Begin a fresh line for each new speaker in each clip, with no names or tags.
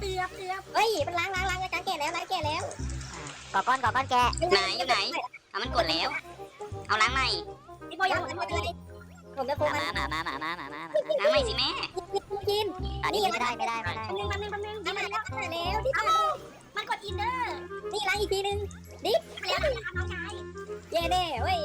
เฮ้ยมันล้างการแก่แล้วล้างแก่แล้ว
ก่อก้อนแกะ
ไหนอยู่ไหนเอามันกดแล้วเอาล้างใหม่
พี่โบยังไม่ได้ผมจะโทรมา
ล้างใหม่สิแม่
กิน
อันนี้ไม่ได้
นี่มาแล้วนี่มาแล้วที่มันกดอินเนอร์นี่ล้างอีกทีนึงดิแล้วน้องชายเย่เด้เว้ย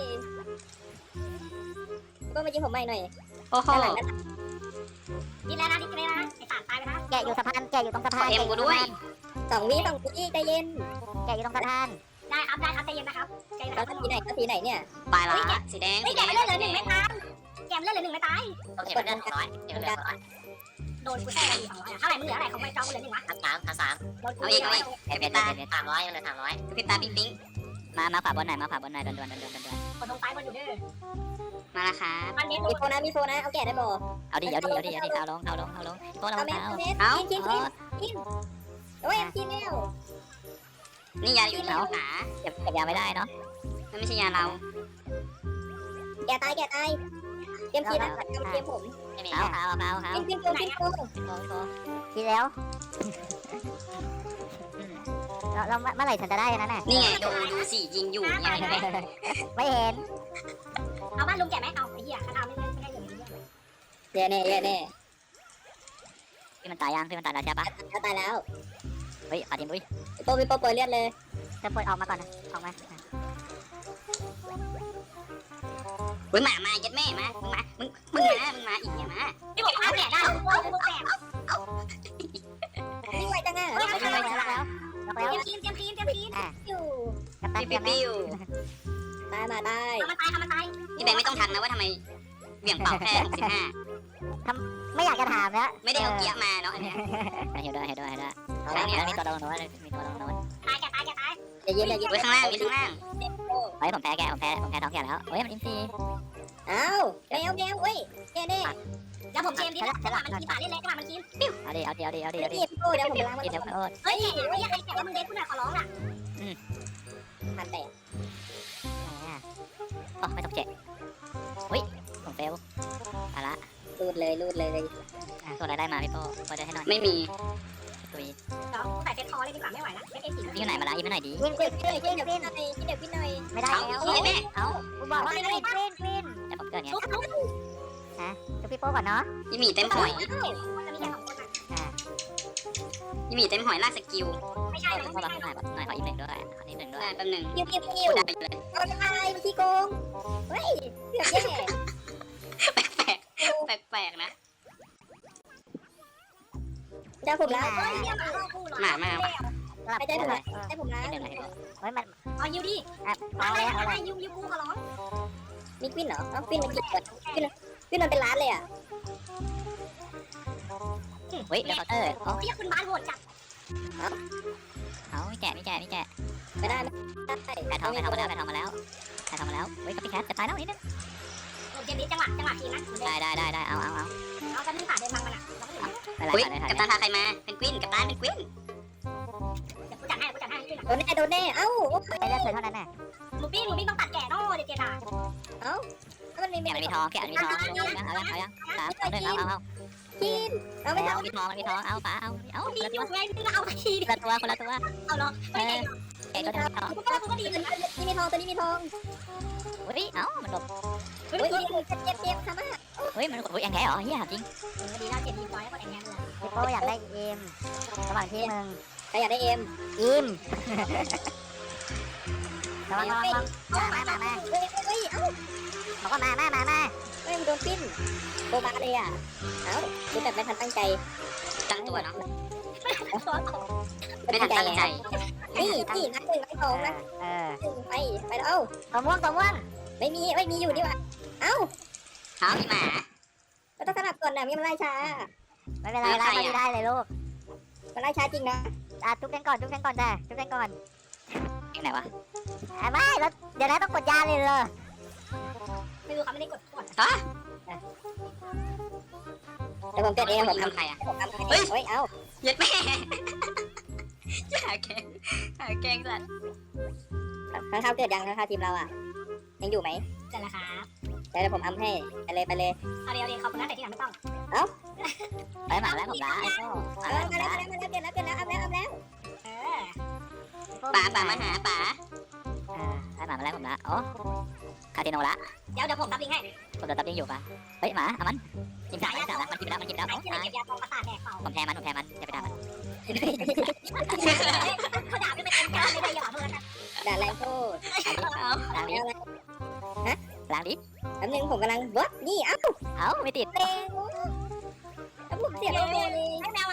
ก็มาจิ้มผมใหม่หน่อย
โอ้โห
นี่แล้วนะไอ้สารตายไปนะ
แกะอยู่สะพานแกะอยู่ตรงสะพาน
เอ็มกูด้วย
2 วิใจเย็น
แกะอยู่ตรงสะพาน
ได้ครับใจเย็นนะครับใจเย็นนะครับสีไหนเนี่ย
ปลายละสีแดง
ไม่แกไม่เล่นเลย1ไม่ตายแกไม่เล่นเลย1ไม่ตาย
โอเคมันเลือดน้อยเดี๋ยวเลือดน้อย
โดนกูแท้เลย200เท่าไหร่มึงเหลืออะไรเขาไม่จ้องกูเลย1วะ
สามเอาอีกเพชรตา300เลยเพชรตาปิ๊งปิ๊ง
มาขวาบนหน่อยด่วน
กดลงไปบนอยู่เด้อ
มาละค่ะ
มันมีโฟนะเอาแกะได้บ่
เอาดิเอาลงโตเรา
เอาเม็ด กินโอ้ยกินแล้ว
นี่ยาอยู่แล้วหา
เก็บยาไม่ได้เนาะ
มันไม่ใช่ยาเรา
แกตายเตรียมกินนะเตรียมผม
ไม่มี
เอา
กินโก
ทีแล้วเราเมื่อไหร่ฉันจะได้นั่นน่ะ
นี่ไงดูสิยิงอยู่เนี่ย
ไม่เห็น
เอาบ้านลุงแกะไหมเอาไอ้เหี้ยข้าวไม่ได้อยู่เย่แน่
พี่มันตายยังพี่มันตายแล้วใช่ปะ
ตายแล้ว
เฮ้ยปาดิมอุ้ย
พี่โปเลือดเลย
จะปล่อยออกมาก่อนนะออกมา
เฮ้ยมายัดแม่มามึงมาอีกเนี่ยมา
พี่บอกเอาแกะได้กูแกะนี่ไวจังอ่ะ
แล้ว
เตรียมกินอยู่
กับตัน
ปิ้ว
ตายมาได้ทำมันตาย
พี่แบงค์ไม่ต้องทักนะว่าทำไมเบี่ยงเป่าแค่65
ไม่อยากจะถามแล้ว
ไม่ได้เอาเกียร์มาเนาะอันเนี้ย
เห็นด้วยมีตัวโดนโน้ต
ตายอย่าเย็น
ไว้ข้างล่างมีข้างล่าง
เฮ้ยผมแพ้ท้องแก่แล้วเฮ้ยมันอินซี
อ้าวแมวเว้ยแกเด้แล้วผมเชมดิจังหวะมันกินป่าเล่นเลยจังหวะมันกินปิ้ว
เอาดิ
เดี๋ยวผมล้างมัน
กินเดี๋ยวโอ๊ต
เฮ้ยไอ้ยังไงแกว่ามึงเด็กกูหน่อยขอร้องอ่ะมันแตก
อ๋อไม่ต้องเจ็บเฮ้ยผมเฟลเอาละ
รูดเลย
ตัวอะไรได้มาพี่โป้พอจะให้หน่อย
ไม่มี
ตุย
ใส่เซ็ตคอเลยดีกว่าไม่ไหวแล้วเซ็ตเอฟซี
นี่ไหนมาละยิ้มหน่อยดิ
กินเดี๋ยวพี่หน่อย
ไม่ได้แล้ว
เอาแม่
เอาคุณบอกว่าไม่ได้กรีนแต่ผมเกิดเนี้ยจุ๊บพี่โป้ก่อนเนาะ
ยี่หมีเต็มหอย
จะมีแค่2 คน
ยี่หมีเต็มหอยลากสกิล
ไม่ใช่
ขอรับหน่อยขอยิ้มหนึ่งด้วยขอยิ้มหนึ่งด้วย
ได้แป๊บนึง
คิว
ได้ไปเลย
เอาไปมันขี้โกงเฮ้ยเกือบแย่
แปลกนะ
จะผมแล้ว
หมามา
ไม่ได้ผมได้ผมแล้ว
หนึ่งเลยเฮ้ยมัน
เอายูดิ
เอาเลยเอาเลย
ยูกูขอร้องมีควินเหรอเอาควินมันกี่คนควินมันเป็นล้านเลยอ่ะ
เฮ้ยเดี๋ยวเตอร์
เรียกคุณบ้านโหดจัด
เอาไม่แกะ
ไม่ได้
แกะทองมาแล้วเฮ้ยกับพี่แคทจะตายแล้วนิดนึง
เกมนี้จังหวะทีนะ
ได้เอา
เอากันที่ผ่านเดินทางมันอ่ะ
อุ้ยกัปตันพาใครมาเป็นกวินกัปตันเป็นกวิน
เดี๋ยวกูจัดให้โดนแน่เอ้า
ไปเลือกเธอเท่านั้นน่ะ
หมูปิ้งต้องตัดแก่นอเด็ดอ่ะเอ้ามันมี
แกะมันมีทองเอายัง3 2 1เอา
กินเอาไม่
มีทองเอาฝาเอา
มีอยู่ไงมึงเอาที
คนละตัว
เอาเหรอไม่ได้
แกะก็ได้ทอง
กูก็ดีเลยนี่มีทองตัวนี้มีทอง
เฮ้ยเอ้ามันหลบ
เฮ้ยเจ็บค่ะมาก
เฮ้ยมันแองแกะเหรอเฮียจริง
ดีแล้วเจ็บดีจอยแล้วก็แองแงเลย
พี่โป้อยากได้เอ็มระหว่างที่มึง
ใครอยากได้เอ็ม
อิมระวังมา
เฮ้ยเอ้า
บอกว่ามา
เฮ้ยมันโดนปิ้นโบบาเลยอ่ะเอ้าคือแบบไม่ทันตั้งใจ
ตั้งตัวเนาะ
ไม่
ไม่
ทั
ทั
น
น
ตั้
ตั้
ง
ง
ใจ
ใจ
นี่นักหนึ่งนักสองนะไปแล้วเอ้า
ตัวม่วง
ไม่มีอยู่นี่วะเอ้า
เอาพี่หมา
ก็ต้องสลับก่อนนะมีมันไล่ช้า
ไม่เป็นไรไล่มาได้เลยลูก
มันไล่ช้าจริงนะ
ทุบกันก่อนจ้ะยังไงวะไม่แล้วเดี๋ยวนะต้องกดยาเลยเหรอ
ไม่รู้เขาไม่ได้กดก่อน
ฮะ
แต่ผมเกิดเองผม
ทำใครอ่ะ
เฮ้ยเอ้า
ยัดแม่หาแกงสัตว์
ข้างข้าวเกิดยังข้างข้าวทีมเราอ่ะยังอยู่ไหมเกิดแล้วครับเดี๋ยวผมอัมให้ไปเลยเอาเดี๋ยวขอบคุณนะแต่ที่หลังไม่ต้อง
ไปหมาแล้วผมละไอ้โซ่
มาแล้วเกิดแล้ว
ป๋ามาหาป๋า
ไอ้หมามาแล้วผมละโอ้คาติโนละ
เดี๋ยวผมรับลิงให้
ผมโดนตับยิงอยู่ปะเฮ้ยหมาเอามันกินสามนะมันกินแล้วมันกินแล้ว
ไอ้เหี้ยเก็บยาปองประสาทแดกเปล่า
ผมแพ้มันอย่าไปด่ามัน
เขาด่าไม่เป็นการไม่ได้อย่าเพิ่งนะ
ด่าแรงโทษ
ล้างดิล้างดิ
แป๊บนึงผมกำลังวัดนี่เอ้า
เอ้าไม่ติด
เร็วแล้วผมเสียโลเลย
ให้แมวมา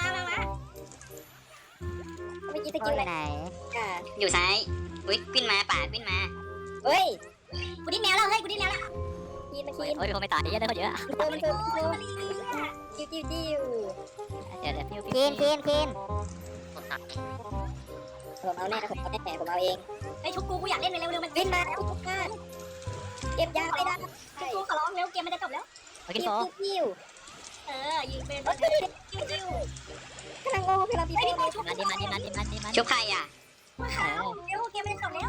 เมื่อกี้ตะ
โอ้
กี้
ย
อะไร
ไหน
อ่ะ
อยู่ซ้ายอุ้ยขึ้นมาป๋าขึ้นมา
เฮ้ย
กูดิ้นแมวแล้วเฮ้ยกูดิ้นแมวแล้ว
คีนมา
โอ้
คี
ย
น
โอ้ยไม่ตายเยอะเลยเขาเยอะ
มันโดนจิ้วจิ้วจิ้ว
เดี๋ยวพิ้ว
คีนคีนคีนผมเอาแน่ผมเอาเอง
ไอ้ชุบกูอยากเล่นเร็วๆมัน
วินมาทุกท่านเก็บยาไม่ได้
กูขอร้องเร็วเกมมันจะจบแล้ว
โอ้ยกิน
จิ้
โฟ
วจิ้ว
ยิงเป็น
จิ้วกำลังงงกำลังปี
ไอ้
โป้
พี่ชุบ
มันดิมัน
ชุบใครอ่ะ
เร็วเกมมันจะจบแล้ว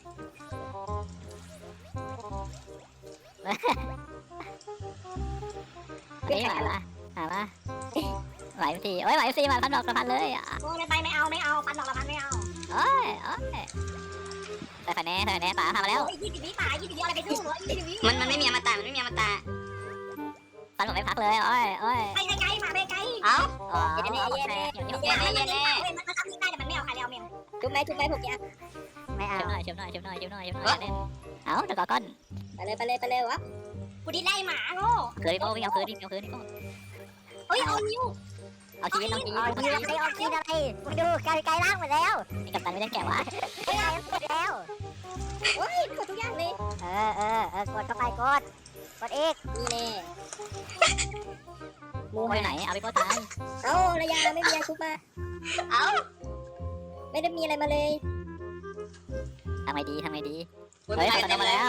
เฮ้ยหมาละหมาไหวทีโอ้ยไหวทีมาพันดอกพันเลยอ่ะ
โอ้ยไปไม่เอาปันดอกละพันไม่เอา
โอ้ยใส่คะแนนป๋าทำมาแล้ว
20 วิป่า20 วิอะไรไปสู้20 วิ
มันไม่มีอมตะมันไม่มีอมตะ
ฟันผมไม่พักเลยโอ้ย
ไปไกลมาไปไกล
เอ้า
อ๋อโอเคอยู่ที่
มันทำได้แต่มันไม่เอาใครแล้วเมม
จุ๊บไหมผมยา
ไม่เอาเชื่อมหน่อยเอาตะกอก้อน
ไปเลยวะ
กูดิ้นไล่หมาโง่
คืนดิโก้วิ่งเอาคืนดิโก้
เฮ้ยเอานิ้ว
เอาชีวิตน้องชี
เอาคีนอะไรเอาคีนอะไรมึงดูไกลล่างหมดแล้ว
นี่กับตันไม่ได้แก่วะ
ไกลล่างหมดแล้วโอ้ยกดทุกอย่างเลย
กดเข้าไปกดอีก
นี่แน่มู
โอ้ยไหนเอาไปโก้ตาย
เอ้าระยะไม่มียาชุบมา
เอ้า
ไม่ได้มีอะไรมาเลย
ทำไงดี
อุ้ยมาแล้ว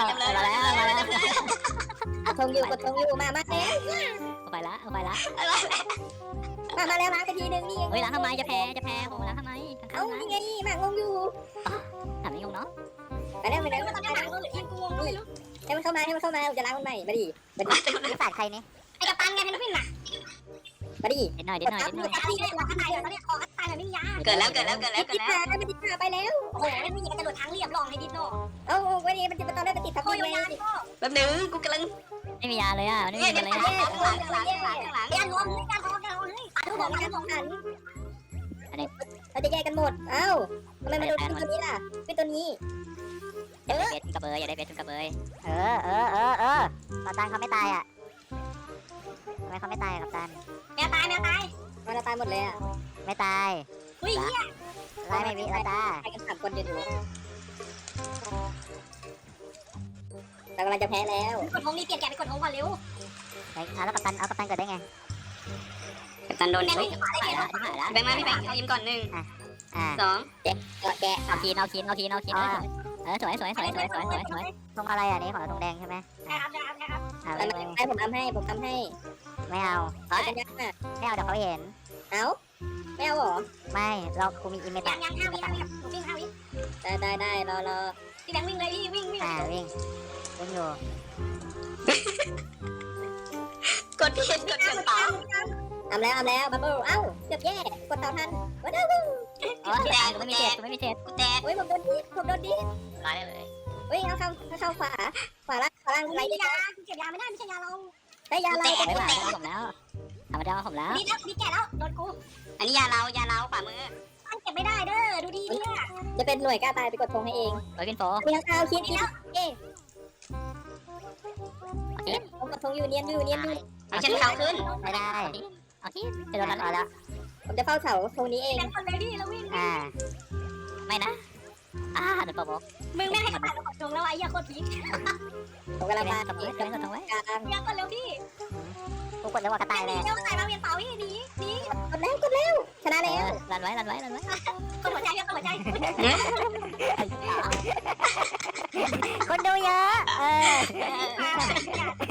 กดทงอยู่มาแล้ว
เอาไปละ
มาแล้วล้างไปทีนึงนี่
เฮ้ยล้างทำไมจะแพ้โหล้างทำไม
เอ้านี่ไงมางงอยู่
ถามไม่งงเนาะ
ไปแล้ว
ตอนนี้หมาหรือทีมกูไม่รู้
ให้มันเข้ามาจะล้างมันใหม่มาดิ
นี่ฝาดใครนี่
ไอ้กัปตันไงเป็นพี่หนัก
มาดิ
เด็ดหน่อย
ไอ้ที่เนี่ยตายตอนนี้คอตายแบบไม่มียา
เกิดแล้ว
ติดมาไปแล้ว
โอ้โหไม่มีกระโดดทางเรียบลองให้ดิโน่
เอ้าวันนี้มันจะตอนแรกมันติดทับ
โอ้
ทิ
ย
มไง
ยาดิโน่
แป๊บนึงกูกำลัง
ไม่มียาเลยอ่ะไม่มีอะไร
ข้างหลัง
ยาล้มยาท้องเฮ้ยปัดทุกคน
การของหันเราจะแยกกันหมดเอ้าทำไมมันโดนตัวนี้ล่ะเป็นตัวนี้
อย่าได้เบสกระเบยอย่าได้เบสกระเบยตาตันเขาไม่ตายอ่ะทำไมเขาไม่ตายกับตัน
แมวตาย
มันตายหมดเลยอ่ะ
ไม่ตาย
เฮ้ย
ไล่ไม่วิแล้วจ้า
ตายกัน3 คนอยู่แต่กำลังจะแพ้แล้ว
กดทงนี่เปลี่ยนแกไปกดทงก่อนเร็ว
แล้วกัปตันเอากัปตันเกิดได้ไง
กัปตันโดน
แม่ง
เฮ้ย
ไม่ได้
หาย
เปลี่ยน
แล้ว
แบงค์มาพี่แบงค์เอายิ้มก่อน1 2
แกะ
เอาคีนเอาคีนสวยธงอะไรอ่ะนี่ของธงแดงใช่ไหม
นะครับ
ผมทำให้
ไม่เอา
เอาจังยัง
ไม่เอาเดี๋ยวเขาเห็น
เอาไม่เอาหรอ
ไม่เรากูมีอิมเม
ยั
ตาง
5 วิหนูวิ่ง5 วิ
ได้รอ
พี่แบงค์วิ่งเลยพี่วิ่ง
วิ่งอยู่
กดผิดกดเกินเปล่า
ทำแล้วบับเบิ้ลเอ้าเกือบแย่กดเต่าทันว้าว
กูไม่มีเจ็ด
กูแตก
โอ้ยผมโดนดิ
ตายเลย
เฮ้ยเอาเข้าขวาล่าง
กู
ไร
ไม่
ได้
ยาเก็บยาไม่ได้ไม่ใช่ยาเรา
ได้ยาเรา
ไม่ไหวผมแล้วธรรมดาผมแล้ว
นี่แก่แล้วโดนกู
อันนี้ยาเราขวามือ
มันเก็บไม่ได้เด้อดูดีเนี่ย
จะเป็นหน่วยกล้าตายไปกดทงให้เอง
โอ้ยกินโฟ
มีข้าวคิดเอ๊ะผมกดทงอยู่เนียนอยู่
เอาฉันเขาขึ้น
ไม่ได้เอาที่จะโดนรัดแล้ว
ผมจะเฝ้าเสาทงนี้เอง
แบงค์คนเลยพี่แล้ววิ่ง
ไม่นะโดนโปร
มึงไม่ให้ผ่านกดทงแล้วไอ้ยาโคตรพีค
ผมกำลังมา
กับเพื่อนกับทงไว้
กลาง
ยาคนเร็วพี่
กูกดแล้วว่ากระต่ายเลย
เร็วใส่มาเวียนเป่าพี่หนี
กดแล้วชนะแล้ว
รันไว้
กดหัวใจกดหัวใจ
คนดูเยอะ
หา